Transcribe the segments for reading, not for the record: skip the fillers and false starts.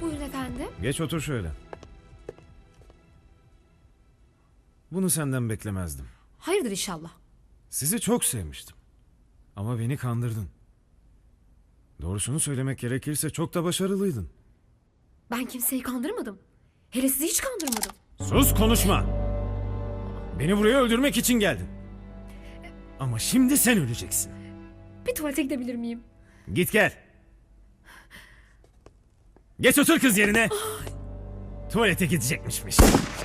Buyurun efendim. Geç otur şöyle. Bunu senden beklemezdim. Hayırdır inşallah. Sizi çok sevmiştim. Ama beni kandırdın. Doğrusunu söylemek gerekirse çok da başarılıydın. Ben kimseyi kandırmadım. Hele sizi hiç kandırmadım. Sus, konuşma. Beni buraya öldürmek için geldin. Ama şimdi sen öleceksin. Bir tuvalete gidebilir miyim? Git gel. Geç otur kız yerine. Tuvalete gidecekmişmiş.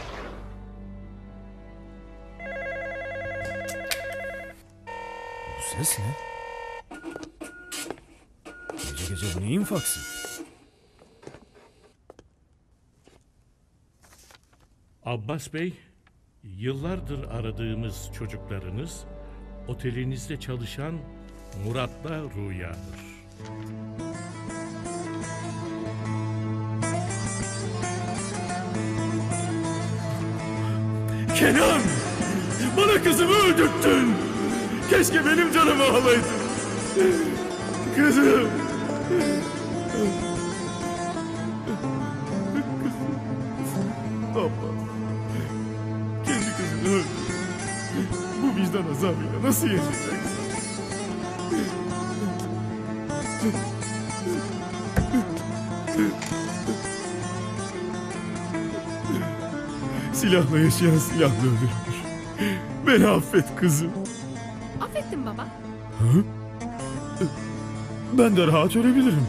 Bu ses ne? Gece gece bu neyin faksı? Abbas Bey, yıllardır aradığımız çocuklarınız otelinizde çalışan Murat'la Rüya'dır. Kenan! Bana kızımı öldürttün! Keşke benim canımı alaydın. Kızım! Abla, kendi kızını öldürdü. Bu vicdan azabıyla nasıl yaşayacaksın? Silahla yaşayan silahla öldürür. Beni affet kızım. Affettim baba. Ben de rahat ölebilirim.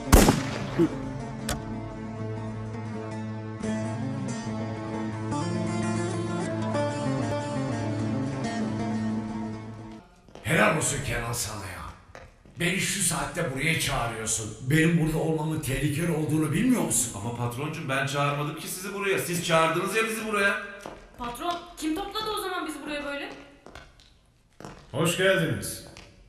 Helal olsun Kenan sana ya. Beni şu saatte buraya çağırıyorsun. Benim burada olmamın tehlikeli olduğunu bilmiyor musun? Ama patroncum ben çağırmadım ki sizi buraya. Siz çağırdınız ya bizi buraya. Patron, kim topladı o zaman bizi buraya böyle? Hoş geldiniz.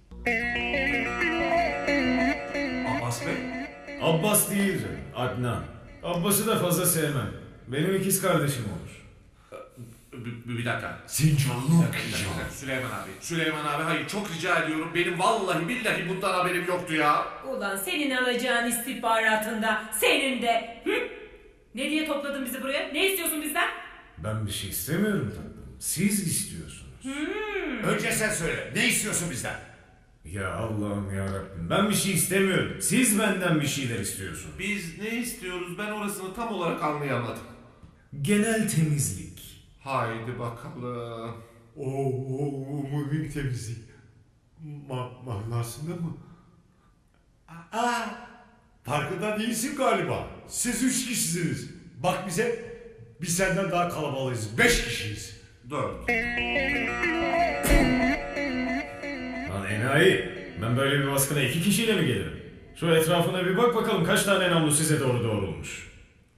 Abbas Bey. Abbas değildir, Adnan. Abbas'ı da fazla sevmem. Benim ikiz kardeşim olur. Bir dakika. Senin canını Bir okuyacağım. dakika. Süleyman abi hayır çok rica ediyorum. Benim vallahi billahi bundan haberim yoktu ya. Ulan senin alacağın istihbaratında, senin de. Hı? Ne diye topladın bizi buraya? Ne istiyorsun bizden? Ben bir şey istemiyorum tatlım. Siz istiyorsunuz. Önce sen söyle. Ne istiyorsun bizden? Ya Allah'ım ya Rabbim. Ben bir şey istemiyorum. Siz benden bir şeyler istiyorsunuz. Biz ne istiyoruz ben orasını tam olarak anlayamadım. Genel temizlik. Haydi bakalım. Umumi temizlik. Manasında mı? Aa, farkında değilsin galiba. Siz 3 kişisiniz. Bak bize, biz senden daha kalabalığız. 5 kişiyiz. 4. Lan enayi. Ben böyle bir baskına 2 kişiyle mi gelirim? Şu etrafına bir bak bakalım kaç tane namlu size doğru doğrulmuş.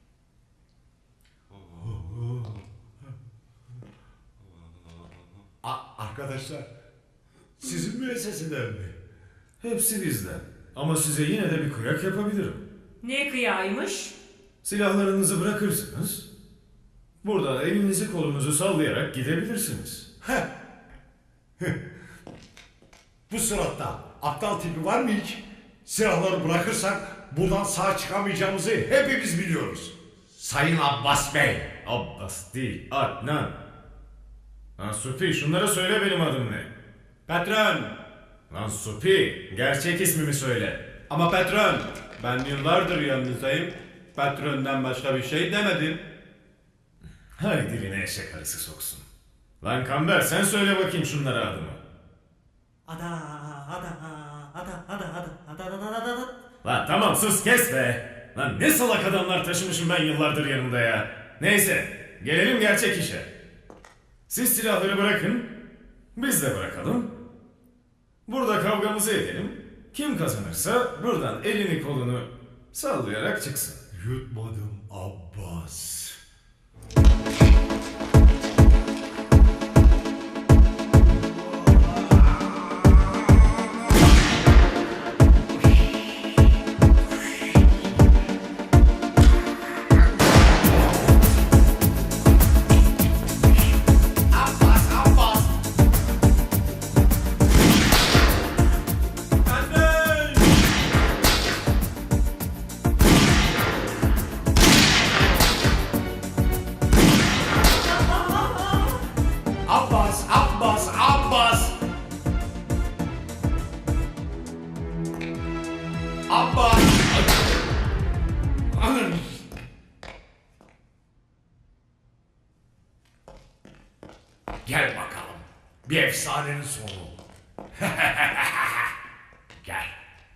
Arkadaşlar, sizin müesseseden mi? Hepsi bizden. Ama size yine de bir kıyak yapabilirim. Ne kıyaymış? Silahlarınızı bırakırsınız. Buradan elinizi kolunuzu sallayarak gidebilirsiniz. Bu suratta aptal tipi var mı hiç? Silahları bırakırsak buradan sağ çıkamayacağımızı hepimiz biliyoruz. Sayın Abbas Bey. Abbas değil, Adnan. Lan Supi, şunlara söyle benim adım ne? Patron! Lan Supi, gerçek ismimi söyle. Ama patron, ben yıllardır yanınızdayım. Patrondan başka bir şey demedim. Hay diline eşek arısı soksun. Lan Kamber, sen söyle bakayım şunlara adımı. Lan tamam sus kes be. Lan ne salak adamlar taşımışım ben yıllardır yanımda ya. Neyse, gelelim gerçek işe. Siz silahları bırakın, biz de bırakalım. Burada kavgamızı edelim. Kim kazanırsa buradan elini kolunu sallayarak çıksın. Yutmadım Abbas. baba. Gel bakalım. Bir efsanenin sonu. Gel.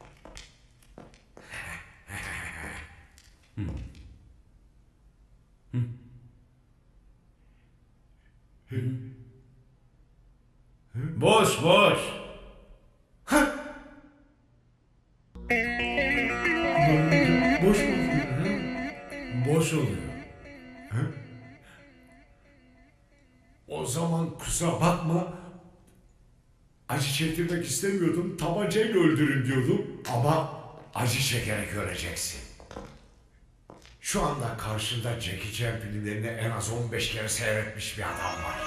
Boş boş. Boş mu oluyor? Boş oluyor. O zaman kusura bakma. Acı çektirmek istemiyordum. Tabancayla öldürün diyordum. Ama acı çekerek öleceksin. Şu anda karşında Jackie Chan filmlerini en az 15 kere seyretmiş bir adam var.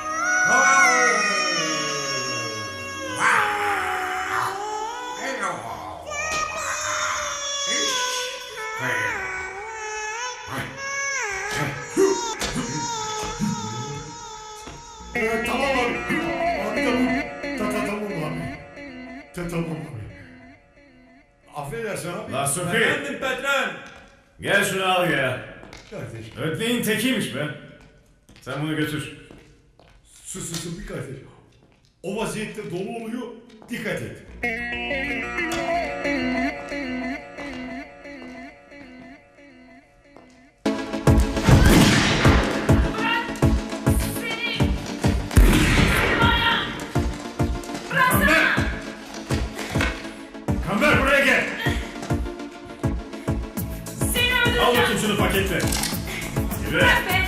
Tamam abi. Abi tamam. Tamam abi. Tamam abi. Affedersin abi. La Sofi, Efendim patron. gel şunu al ya. Kardeş. Ötleğin tekiymiş be. Sen bunu götür. Sus bir kardeş. O vaziyette dolu oluyor. Dikkat et. Kamber buraya gel. Seni Al öldüreceğim. bakayım şunu paketle. Yürü. Bırak be.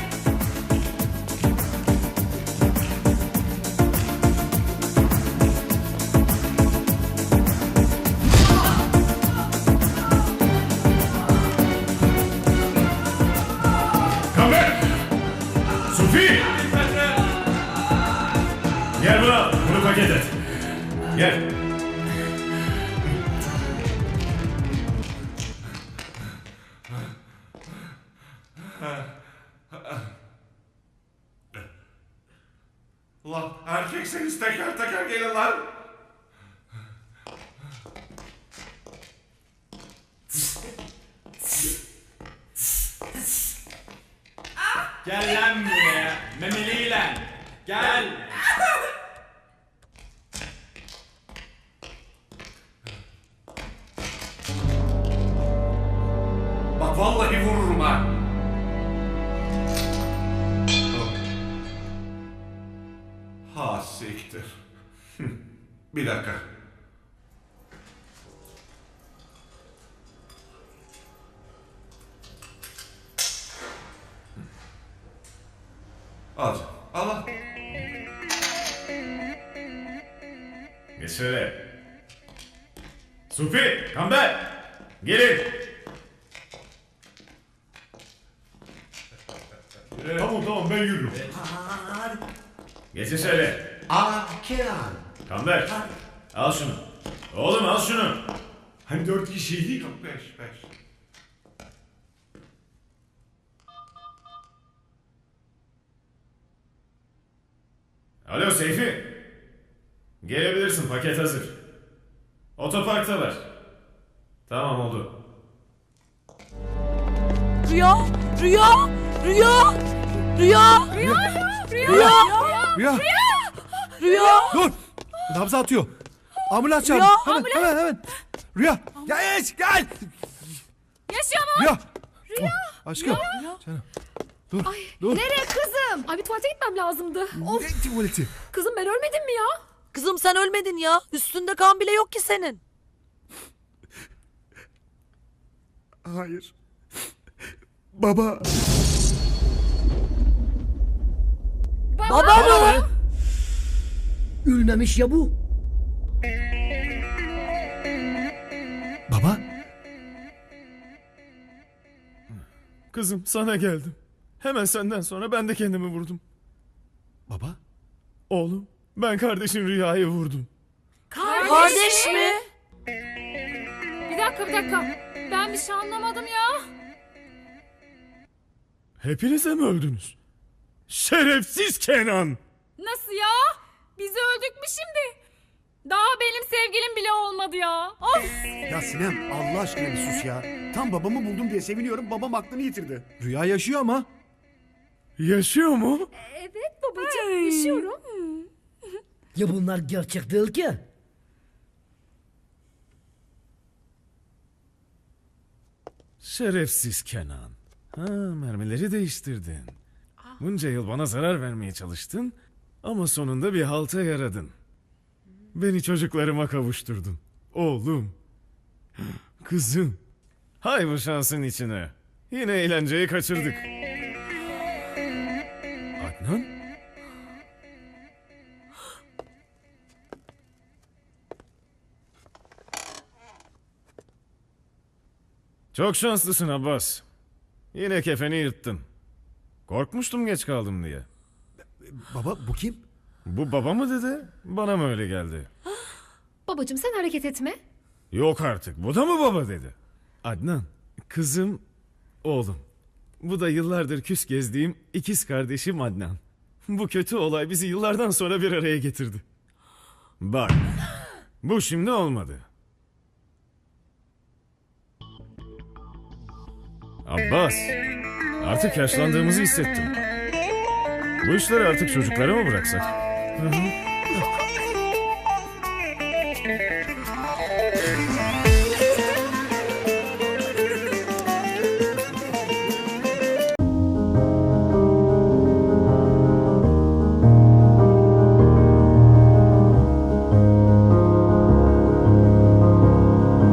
Kamber. Sofi. Gel bunu al. Bunu paket et. Gel. Ulan erkekseniz teker teker gelin lan. Gel lan buraya. Memeliyle. Gel. Bak vallahi vururum ha. Ha siktir. Bir dakika. Al canım. Al. Geç şöyle. Sofi, Kamber. Gelin. Tamam ben yürürüm. Geçin şöyle. Kenan. Kamber. Al şunu. Oğlum al şunu. Hani 4 kişiydik. 5. Alo Seyfi. Gelebilirsin, paket hazır. Otoparktalar. Tamam oldu. Rüya! Rüya! Rüya! Rüya! Rüya Rüya! dur. Nabzı atıyor. Ambulans çağır. Rüya, Hemen. Rüya gel. Yaşıyor mu? Rüya. Oh, aşkım. Canım. Dur. Dur. Nereye kızım? Ay bir tuvalete gitmem lazımdı. Of Ne tuvaleti? kızım ben ölmedim mi ya? Kızım sen ölmedin ya. Üstünde kan bile yok ki senin. Hayır. Baba. Baba mı? Ölmemiş ya bu. Baba. Kızım sana geldim. Hemen senden sonra ben de kendimi vurdum. Baba. Oğlum ben kardeşin Rüya'yı vurdum. Kardeş mi? Bir dakika. Ben bir şey anlamadım ya. Hepinize mi öldünüz? Şerefsiz Kenan! Nasıl ya? Biz öldük mü şimdi? Daha benim sevgilim bile olmadı ya. Of! Ya Sinem Allah aşkına bir sus ya. Tam babamı buldum diye seviniyorum. Babam aklını yitirdi. Rüya yaşıyor ama. Yaşıyor mu? Evet babacığım yaşıyorum. Ya bunlar gerçek değil ki. Şerefsiz Kenan. Ha, mermileri değiştirdin. Bunca yıl bana zarar vermeye çalıştın ama sonunda bir halta yaradın. Beni çocuklarıma kavuşturdun. Oğlum. Kızım. Hay bu şansın içine. Yine eğlenceyi kaçırdık. Adnan? Çok şanslısın Abbas. Yine kefeni yırttın. Korkmuştum geç kaldım diye. Baba bu kim? Bu baba mı dedi? Bana mı öyle geldi? Babacığım sen hareket etme. Yok artık. Bu da mı baba dedi? Adnan, kızım, oğlum. Bu da yıllardır küs gezdiğim ikiz kardeşim Adnan. Bu kötü olay bizi yıllardan sonra bir araya getirdi. Bak, bu şimdi olmadı. Abbas, artık yaşlandığımızı hissettim. Bu işleri artık çocuklara mı bıraksak? Hı hı.